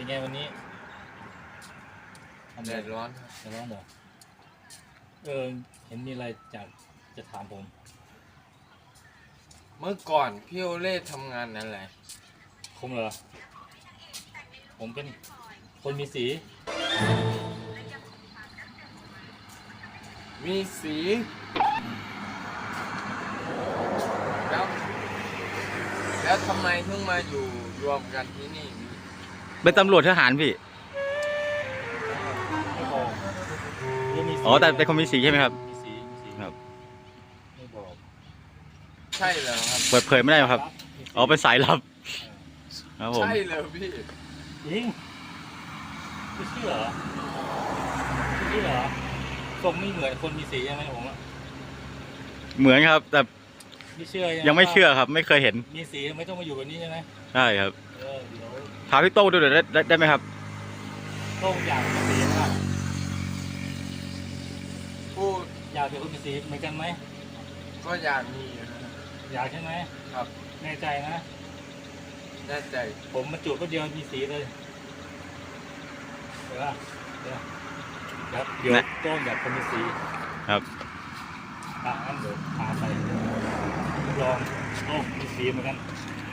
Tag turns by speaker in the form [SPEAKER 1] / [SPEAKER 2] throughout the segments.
[SPEAKER 1] เป็นไงวันนี้
[SPEAKER 2] แดดร้อน
[SPEAKER 1] แดดร้อนเหรอเห็นมีอะไรจะถามผม
[SPEAKER 2] เมื่อก่อนพี่โอเล่ทำงานอะไร
[SPEAKER 1] ผมเหรอผมเป็นคนมีสี
[SPEAKER 2] แล้วทำไมเพิ่งมาอยู่รวมกันที่นี่
[SPEAKER 3] เป็นตำรวจทหารพี่
[SPEAKER 1] ไม่บอก
[SPEAKER 3] อ๋อแต่เป็นคนมีสีใช่ไหมครับ
[SPEAKER 1] มีสี
[SPEAKER 3] ครับ
[SPEAKER 1] ไม่บอก
[SPEAKER 2] ใช่เหรอครับ
[SPEAKER 3] เปิดเผยไม่ได้ครับอ๋อเป็นสายลับครับผม
[SPEAKER 2] ใช่เลยพี่
[SPEAKER 1] จริงไม่เชื่อเหรอทรงไม่เหมือนคนมีสีใช่ไหมผมอะ
[SPEAKER 3] เหมือนครับแต่
[SPEAKER 1] ไม่เชื่อ
[SPEAKER 3] ยังไม่เชื่อครับไม่เคยเห็น
[SPEAKER 1] มีสีไม่ต้องมาอยู่แบบนี้ใช่ไหม
[SPEAKER 3] ใช่ครับ
[SPEAKER 1] เดี๋ยว
[SPEAKER 3] พาพี่โต้ดูหน่อยได้ไหมครับ
[SPEAKER 1] โต้งอยากมีสีไหม
[SPEAKER 2] พูด
[SPEAKER 1] อยากเป็นคนมีสีเหมือนกันไหม
[SPEAKER 2] ก็อยากมี
[SPEAKER 1] อยากใช่ไหม
[SPEAKER 2] ครับ
[SPEAKER 1] แน่ใจนะ
[SPEAKER 2] แน่ใจ
[SPEAKER 1] ผมมาจูบก็เดียวมีสีเลยเดี๋ยวโต้งอยากคนมีสี
[SPEAKER 3] ครับ
[SPEAKER 1] งั้นเดี๋ยวพาไปลองโต้งมีสีเหมือนกัน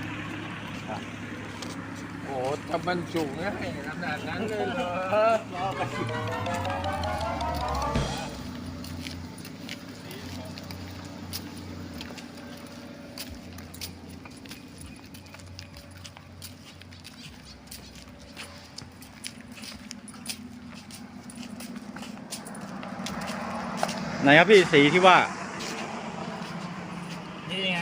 [SPEAKER 2] โอ้จะบรรจุง่ายขนาดนั้นเลยเหรอ
[SPEAKER 1] รอกัน
[SPEAKER 3] ไหนครับพี่สีที่ว่า
[SPEAKER 1] นี่ไง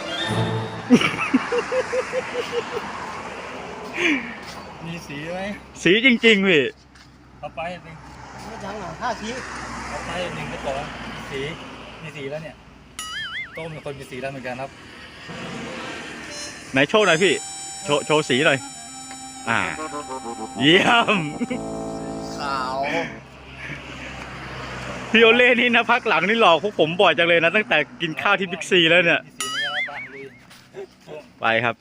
[SPEAKER 1] มีสีไหม
[SPEAKER 3] สีจริงๆพี่
[SPEAKER 1] เอาไปหนึ่ง
[SPEAKER 4] ไม่จังหรอ5 ที
[SPEAKER 1] เอาไปหนึ่งก็ต่อมีสีแล้วเนี่ยโต้งเป็นคนมีสีแล้วเหมือนกันครับ
[SPEAKER 3] ไหนโชว์หน่อยพี่โชว์สีหน่อยเยี่ยม
[SPEAKER 2] ขาว
[SPEAKER 3] พี่โอเล่นี่นะพักหลังนี่หลอกพวกผมบ่อยจังเลยนะตั้งแต่กินข้าวที่บิ๊กซีแล้วเนี่ยไปครับ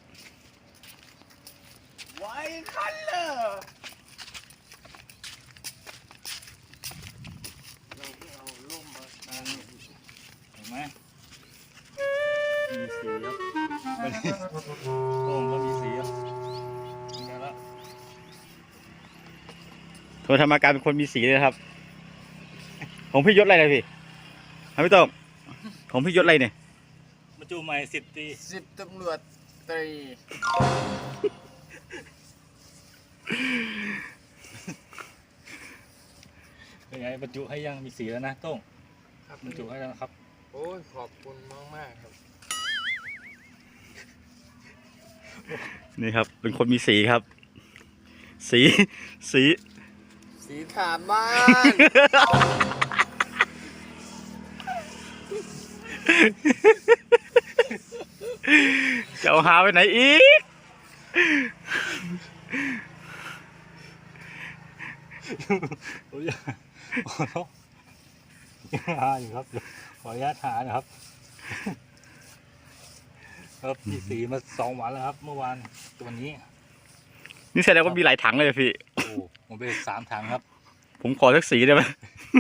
[SPEAKER 2] ไว้คันเลยเราเอาล่มมา
[SPEAKER 1] เห็นไหมมีสีครับโต้งก็มีสีครับเป็นไงล่ะ
[SPEAKER 3] โทรธรรมการเป็นคนมีสีเลยครับของพี่ยศอะไรเลยพี่พี่โต้งของพี่ยศอะไรเนี่ย
[SPEAKER 1] มาจูใหม่10 ตรี
[SPEAKER 2] 10 ตำรวจตรี
[SPEAKER 1] เป็นไงบรรจุให้ยังมีสีแล้วนะโต้งบรรจุให้แล้วครับ
[SPEAKER 2] โอ้ยขอบคุณมากครับ
[SPEAKER 3] นี่ครับเป็นคนมีสีครับสี
[SPEAKER 2] ถามบ้าน
[SPEAKER 3] จะเอาหาไปไหนอีก
[SPEAKER 1] อยู่ครับขออนุญาตหานะครับครับมีสีมา2 วันแล้วครับเมื่อวานตัวนี้
[SPEAKER 3] นี่แสดงว่ามีหลายถังเลยพี่
[SPEAKER 1] โอ้ผมไป3 ถังครับ
[SPEAKER 3] ผมขอสักสีได้ไหม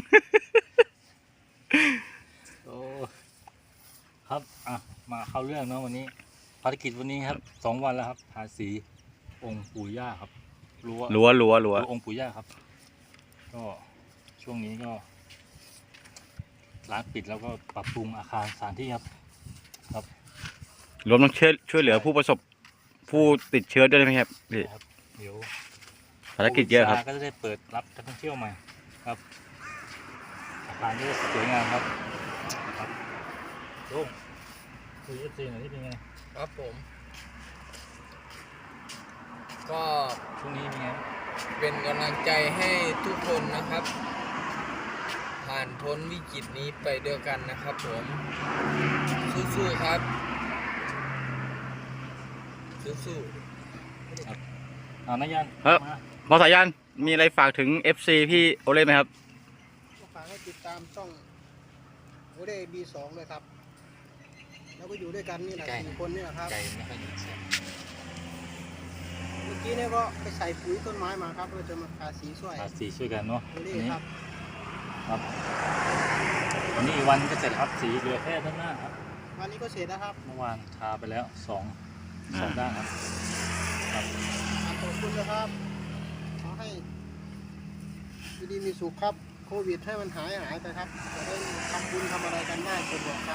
[SPEAKER 1] โอ้ครับมาเข้าเรื่องเนาะวันนี้ภารกิจวันนี้ครับ2 วันแล้วครับทาสีองค์ปู่ย่าครับรั้วองค์ปู่ย่าครับก็ช่วงนี้ก็ร้านปิดแล้วก็ปรับปรุงอาคารสถานที่ครับ
[SPEAKER 3] รวมทั้งช่วยเหลือผู้ติดเชื้อด้วยไหมครับพี่
[SPEAKER 1] เดี๋ยว
[SPEAKER 3] ภารกิจเยอะครับ
[SPEAKER 1] ก็จะได้เปิดรับนักท่องเที่ยวใหม่ครับอาคารนี้สวยงามครับโอ้คุยเอฟซีหน่อยนี่เป็นไง
[SPEAKER 2] ครับผมก็
[SPEAKER 1] ช่วงนี้เป็นไง
[SPEAKER 2] เป็นกำลังใจให้ทุกคนนะครับผ่านพ้นวิกฤตนี้ไปด้วยกันนะครับผมสู้ๆครับสู้
[SPEAKER 1] ๆครับนายัน
[SPEAKER 3] ครับหมอสายันมีอะไรฝากถึง FC พี่โอเล่ไหมครับ
[SPEAKER 4] ฝากให้ติดตามช่องโอเล่ B2 เลยครับแล้วก็อยู่ด้วยกันนี่แหละ4 คนนี่แหละครับ
[SPEAKER 1] ใจไม่ค่อยดีเสียง
[SPEAKER 4] มื่อกี้เนี่ยก็ไปใส่ปุ๋ยต้นไม้มาครับเพื่อจะมาทาสีช่วย
[SPEAKER 1] ทาสีช่วยกันเนาะ
[SPEAKER 4] โอเล่
[SPEAKER 1] นี่
[SPEAKER 4] ครับ
[SPEAKER 1] ครับวันนี้อีกวันก็เสร็จครับสีเหลือแค่ด้านหน้าครับ
[SPEAKER 4] วันนี้ก็เสร็จแล้วครับ
[SPEAKER 1] เมื่อวานทาไปแล้วสองด้านครับครับ
[SPEAKER 4] ขอบคุณนะครับขอให้ดีมีสุขครับโควิดให้มันหายไปครับจะได้ทำบุญทำอะไรกันได้สะดวกครับ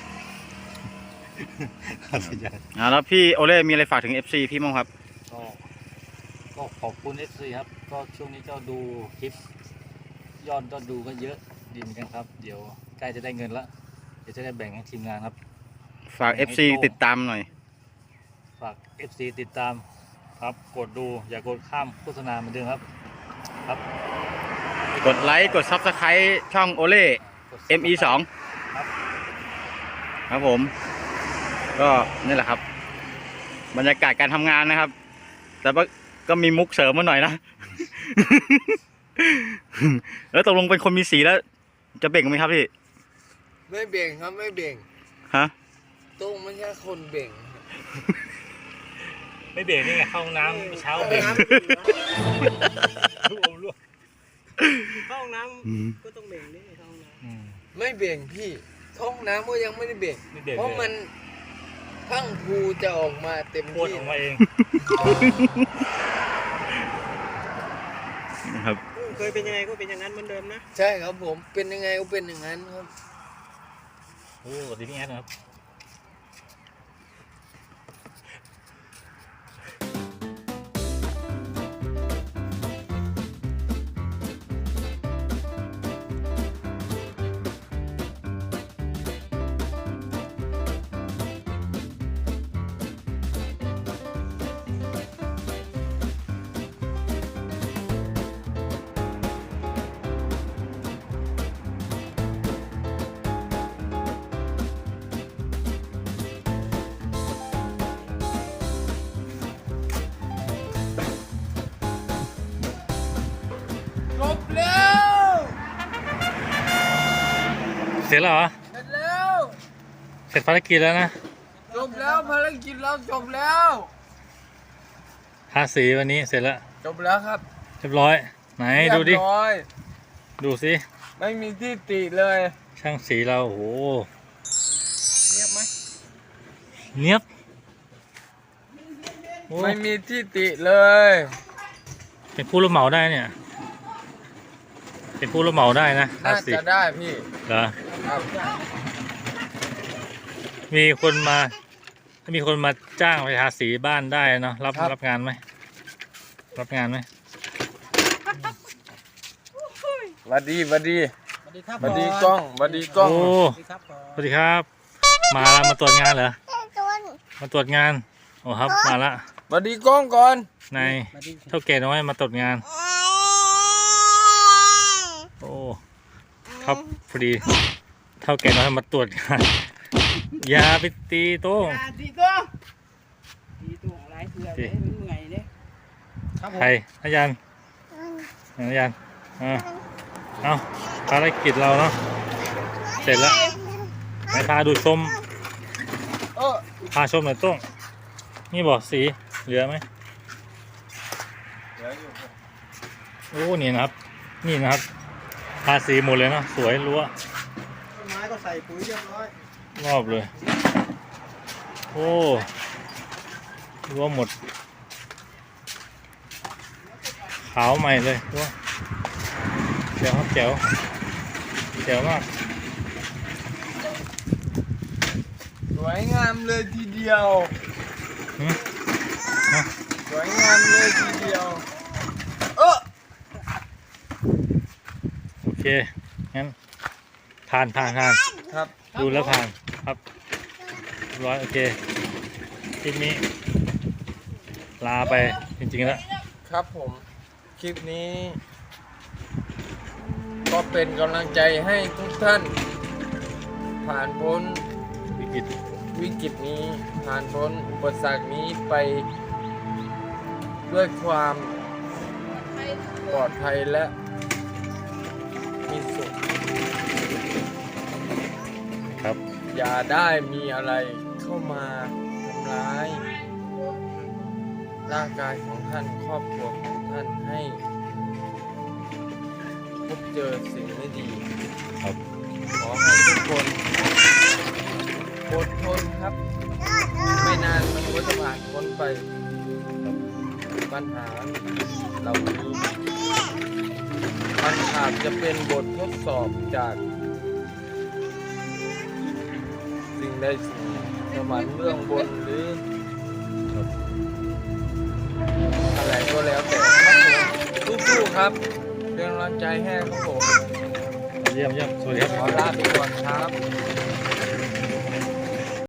[SPEAKER 3] แล้วพี่โอเล่มีอะไรฝากถึง FC พี่มั้งครับ
[SPEAKER 1] ก็ขอบคุณ FC ครับก็ช่วงนี้ก็ดูคลิปยอดดูก็เยอะดีเหมือนกันครับเดี๋ยวใกล้จะได้เงินละเดี๋ยวจะได้แบ่งให้ทีมงานครับ
[SPEAKER 3] ฝาก FC ติดตามหน่อย
[SPEAKER 1] ฝาก FC ติดตามครับกดดูอย่ากดข้ามโฆษณาเหมือนเดิมครับครับ
[SPEAKER 3] กดไลค์กด Subscribe ช่องโอเล่
[SPEAKER 1] กด
[SPEAKER 3] ME2
[SPEAKER 1] ครับ
[SPEAKER 3] ครับผมก็นี่แหละครับ บรรยากาศการทำงานนะครับ แต่ว่าก็มีมุกเสริมมาหน่อยนะ แล้วตกลงเป็นคนมีสีแล้ว จะเบ่งไหมครับพี่
[SPEAKER 2] ไม่เบ่งครับไม่เบ่ง
[SPEAKER 3] ฮะ
[SPEAKER 2] ตุ้งไม่ใช่คนเบ่ง
[SPEAKER 1] ไม่เบรกนี่ไงเข้าห้องน้ำเช้าเบรก
[SPEAKER 4] เข้าห้องน้ำก็ต้องเบ่งนี่เข้าห้องน้ำ
[SPEAKER 2] ไม่เบ่งพี่เข้าห้องน้ำก็ยังไม่ได้เบ่ง
[SPEAKER 1] ไม่เบรก
[SPEAKER 2] เพราะมันพังผูจะออกมาเต็ม
[SPEAKER 1] พ่น
[SPEAKER 2] ที่
[SPEAKER 1] ออกมาเอง
[SPEAKER 3] นะครับ
[SPEAKER 4] เคยเป็นยังไงก็เป็นอย่างนั้นเหมือนเดิมนะ
[SPEAKER 2] ใช่ครับผมเป็นยังไงก็เป็นอย่างนั้นครับ
[SPEAKER 1] โอ้สวัสดีพี่แอดนะครับ
[SPEAKER 2] จบแล้ว
[SPEAKER 1] เสร็จแล้วเหรอ
[SPEAKER 2] เสร็จแล้ว
[SPEAKER 1] เสร็จภารกิจแล้วนะ
[SPEAKER 2] จบแล้วภารกิจเราจบแล้ว
[SPEAKER 1] ทาสีวันนี้เสร็จแล้ว
[SPEAKER 2] จบแล้วครับ
[SPEAKER 1] เรียบร้อยไหนดูดิ
[SPEAKER 2] เรียบร้อย
[SPEAKER 1] ดูสิ
[SPEAKER 2] ไม่มีที่ติเลย
[SPEAKER 1] ช่างสีเราโอ้โห
[SPEAKER 4] เรียบไหม
[SPEAKER 1] เนียบโอ้
[SPEAKER 2] ไม่มีที่ติเลย
[SPEAKER 1] เป็นผู้รับเหมาได้เนี่ย เป็นผู้รับเหมาได้นะทา
[SPEAKER 2] น่า
[SPEAKER 1] สี
[SPEAKER 2] จะได้พี่
[SPEAKER 1] เหรอ
[SPEAKER 2] ครับ
[SPEAKER 1] มีคนมาจ้างไปทาสีบ้านได้เนาะรับงานไหมรับงานไหม
[SPEAKER 2] หวัดดีหวัดดี
[SPEAKER 4] สวัสดีครับ
[SPEAKER 2] หวัดดีกล้องหวัดดีกล้อง
[SPEAKER 1] โอ้
[SPEAKER 4] สวัสดีครับก่อน
[SPEAKER 1] สวัสดีครับ มาตรวจงานเหรอมาตรวจงานโอ้ครับมาละ
[SPEAKER 2] หวัดดีกล้องก่อน
[SPEAKER 1] นาย
[SPEAKER 4] สวัสดี
[SPEAKER 1] เท่าแก่น้อยมาตรวจงานโอ้ครับพอดีเท่าแก่น้อยมาตรวจงานอย่าไปตีโต้ง
[SPEAKER 5] ตีตัวอะไรเสือเลยมันเหนื่อยเลย
[SPEAKER 4] ครับผม
[SPEAKER 1] ใครอาจารย์อาจารย์เอาภารกิจเราเนาะเสร็จแล้วไหนพาดูชม
[SPEAKER 2] เออ
[SPEAKER 1] พาชมหน่อยโต้งนี่บอกสีเหลือไหมโอ้นี่นะครับ นี่นะครับทาสีหมดเลยเนาะสวยรั้ว
[SPEAKER 4] ต้นไม้ก็ใส่ปุ๋ยเรียบร้อย
[SPEAKER 1] รอบเลย โอ้รั้วหมด ขาวใหม่เลยรั้วเจ๋วครับเจ๋วเจ๋วมาก
[SPEAKER 2] สวยงามเลยทีเดียว
[SPEAKER 1] หืมฮะ
[SPEAKER 2] สวยงามเลยทีเดียว เออ
[SPEAKER 1] โอเค งั้นผ่าน
[SPEAKER 2] ครับ
[SPEAKER 1] ดูแล้วผ่านครับเรียบร้อยโอเคคลิปนี้ ลาไปจริงๆแล้ว
[SPEAKER 2] ครับผมคลิปนี้ ก็เป็นกำลังใจให้ทุกท่าน ผ่านพ้น
[SPEAKER 1] วิกฤต
[SPEAKER 2] วิกฤตนี้ ผ่านพ้นอุปสรรคนี้ไป ด้วยความปลอดภัยและมีสุข
[SPEAKER 1] ครับ
[SPEAKER 2] อย่าได้มีอะไรเข้ามาทำร้ายร่างกายของท่านครอบครัวของท่านให้พบเจอสิ่งไม่ดี
[SPEAKER 1] ครับ
[SPEAKER 2] ขอให้ทุกคนอดทนครับ ไม่นานมันก็จะผ่านพ้นไปปัญหาเรานี้มันอาจจะเป็นบททดสอบจากสิ่งใดสิ่งหนึ่งสวรรค์เบื้องบนหรืออะไรก็แล้วแต่ครับผมสู้ๆครับเป็นกำลังใจให้ครับผม
[SPEAKER 1] เยี่ยมเยี่ยมสวัสดีครับ
[SPEAKER 2] ขอลาไปก่อนครับ